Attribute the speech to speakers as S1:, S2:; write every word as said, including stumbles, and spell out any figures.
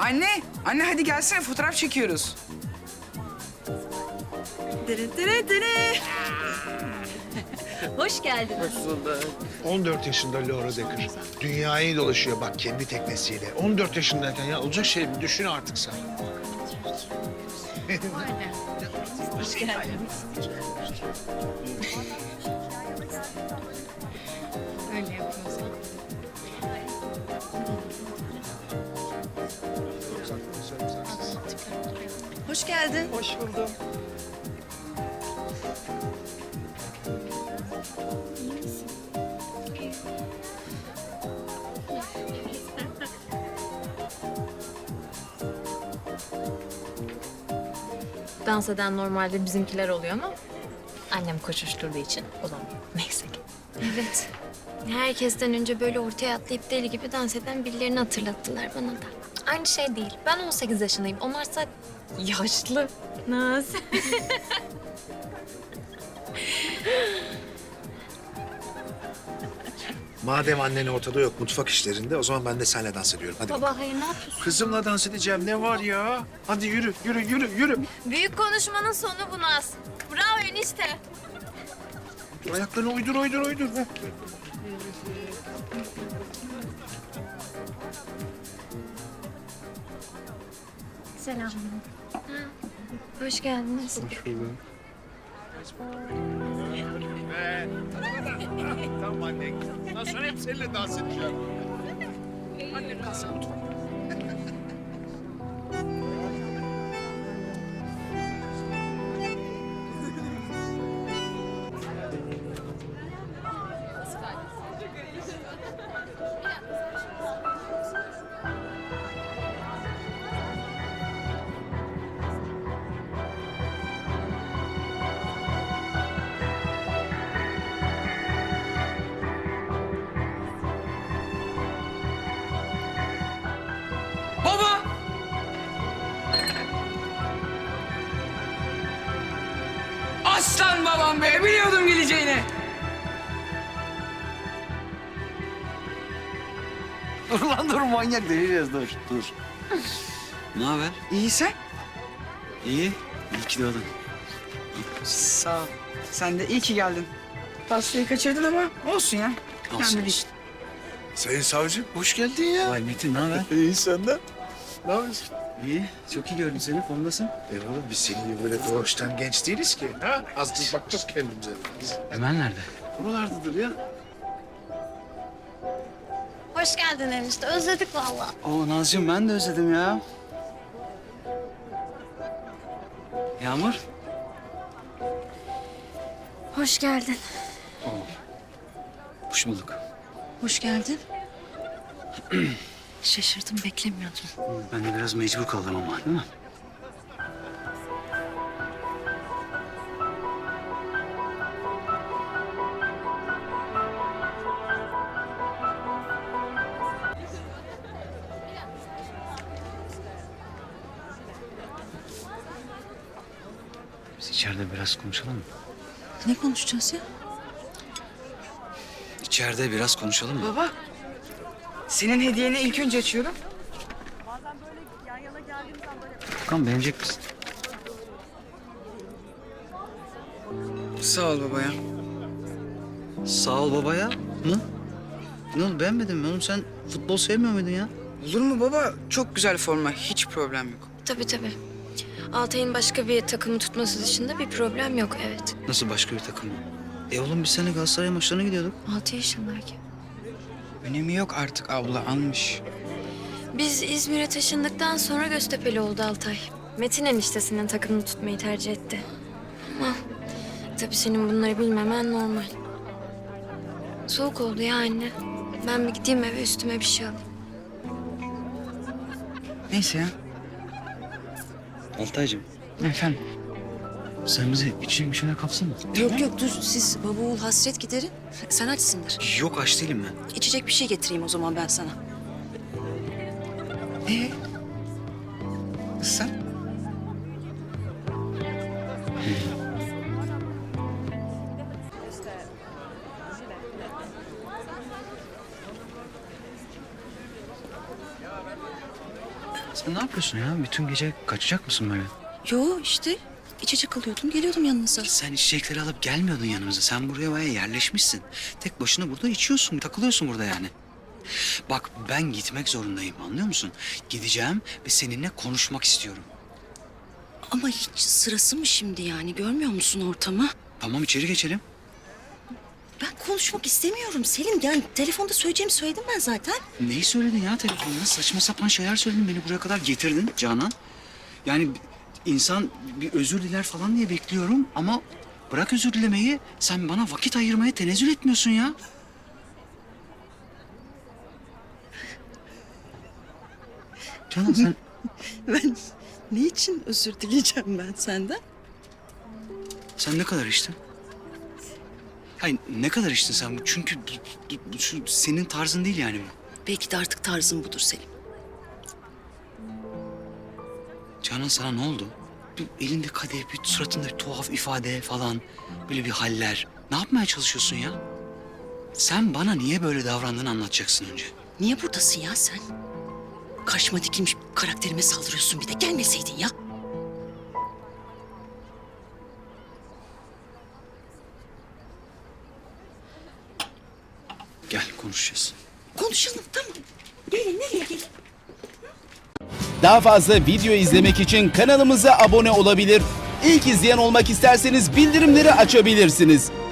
S1: Anne, anne hadi gelsene fotoğraf çekiyoruz.
S2: Dırı dırı dırı. Hoş geldin.
S3: on dört yaşında Laura Decker. Dünyayı dolaşıyor bak kendi teknesiyle. on dört yaşındayken ya olacak şey mi? Düşün artık sen.
S2: Hoş geldin. Öyle yapıyorsun.
S4: Hoş geldin.
S3: Hoş buldum.
S5: Dans eden normalde bizimkiler oluyor ama annem koşuşturduğu için olamıyor. Neyse ki.
S6: Evet. Herkesten önce böyle ortaya atlayıp deli gibi dans eden birilerini hatırlattılar bana da.
S5: Aynı şey değil. Ben on sekiz yaşındayım. Onlarsa yaşlı. Naz.
S3: Madem annen ortada yok mutfak işlerinde o zaman ben de seninle dans ediyorum. Hadi bakalım.
S6: Baba hayır ne yapıyorsun?
S3: Kızımla dans edeceğim ne var ya? Hadi yürü yürü yürü yürü.
S6: Büyük konuşmanın sonu bu Naz. Bravo enişte.
S3: Ayaklarını uydur uydur uydur. Heh.
S6: Selam. Hoş geldiniz.
S3: Hoş bulduk. Tamam anne. Bundan sonra hep seninle dans edeceğim. Anne kalsın.
S1: Baba! Aslan babam be, biliyordum geleceğini.
S7: Dur lan dur manyak deliriyoruz dur dur. Ne haber?
S1: İyi sen?
S7: İyi. İyi ki doğdun.
S1: Sağ ol. Sen de iyi ki geldin. Pastayı kaçırdın ama olsun ya.
S7: Olsun
S1: Önemli değil.
S7: olsun.
S3: Sayın savcım hoş geldin ya.
S7: Vay Metin ne haber?
S3: İyi senden. Ne yapıyorsun?
S7: İyi. Çok iyi gördüm seni. Formdasın.
S3: Eyvallah biz senin gibi böyle doğuştan genç değiliz ki. Ha? Azıcık bakacağız kendimize. Biz
S7: Ömer nerede?
S3: buralardadır ya.
S6: Hoş geldin enişte. Özledik vallahi.
S7: Oo Nazcığım ben de özledim ya. Yağmur.
S6: Hoş geldin.
S7: Hoş bulduk.
S4: Hoş geldin. Şaşırdım, beklemiyordum.
S7: Ben de biraz mecbur kaldım ama değil mi? Biz içeride biraz konuşalım mı?
S4: Ne konuşacağız ya?
S7: İçeride biraz konuşalım mı?
S1: Baba, senin hediyeni ilk önce açıyorum.
S7: Furkan beğenecek misin?
S1: Sağ ol baba ya.
S7: Sağ ol babaya. Ne? Ne oldu beğenmedin mi oğlum? Sen futbol sevmiyor muydun ya?
S1: Olur mu baba? Çok güzel forma, hiç problem yok.
S6: Tabii tabii. Altay'ın başka bir takımı tutması dışında bir problem yok evet.
S7: Nasıl başka bir takım mı? E oğlum biz seninle Galatasaray maçlarına gidiyorduk.
S6: Altı yaşındayken.
S1: Önemi yok artık abla, almış.
S6: Biz İzmir'e taşındıktan sonra Göztepe'li oldu Altay. Metin eniştesinin takımını tutmayı tercih etti. Ama tabii senin bunları bilmemen normal. Soğuk oldu ya anne. Ben bir gideyim eve üstüme bir şey alayım.
S1: Neyse ya.
S7: Altaycığım
S1: Efendim?
S7: sen bizi için bir şeyler kapsana.
S4: Yok yok dur, siz baba oğul hasret giderin. Sen açsındır.
S7: Yok aç değilim ben.
S4: İçecek bir şey getireyim o zaman ben sana.
S1: Ee? Sen?
S7: Sen ne yapıyorsun ya? Bütün gece kaçacak mısın böyle?
S4: Yo işte içecek alıyordum geliyordum yanınıza.
S7: Sen içecekleri alıp gelmiyordun yanımıza. Sen buraya bayağı yerleşmişsin. Tek başına burada içiyorsun, takılıyorsun burada yani. Bak ben gitmek zorundayım, anlıyor musun? Gideceğim ve seninle konuşmak istiyorum.
S4: Ama hiç sırası mı şimdi yani görmüyor musun ortamı?
S7: Tamam, içeri geçelim.
S4: Ben konuşmak istemiyorum Selim. Yani telefonda söyleyeceğimi söyledim ben zaten.
S7: Neyi söyledin ya telefonda? Saçma sapan şeyler söyledin. Beni buraya kadar getirdin Canan. Yani insan bir özür diler falan diye bekliyorum ama bırak özür dilemeyi. Sen bana vakit ayırmaya tenezzül etmiyorsun ya. Canan sen...
S4: Ben ne için özür dileyeceğim ben senden?
S7: Sen ne kadar içtin? Hayır, ne kadar içtin sen? Çünkü bu- bu- şu senin tarzın değil yani.
S4: Belki de artık tarzım budur Selim.
S7: Canan sana ne oldu? Bir elinde kadeh, bir suratında bir tuhaf ifade falan. Böyle bir haller. Ne yapmaya çalışıyorsun ya? Sen bana niye böyle davrandığını anlatacaksın önce.
S4: Niye buradasın ya sen? Karşıma dikilmiş karakterime saldırıyorsun bir de. Gelmeseydin ya.
S7: Gel konuşacağız.
S4: Konuşalım tamam. Gelin nereye gelin?
S8: Daha fazla video izlemek için kanalımıza abone olabilir. İlk izleyen olmak isterseniz bildirimleri açabilirsiniz.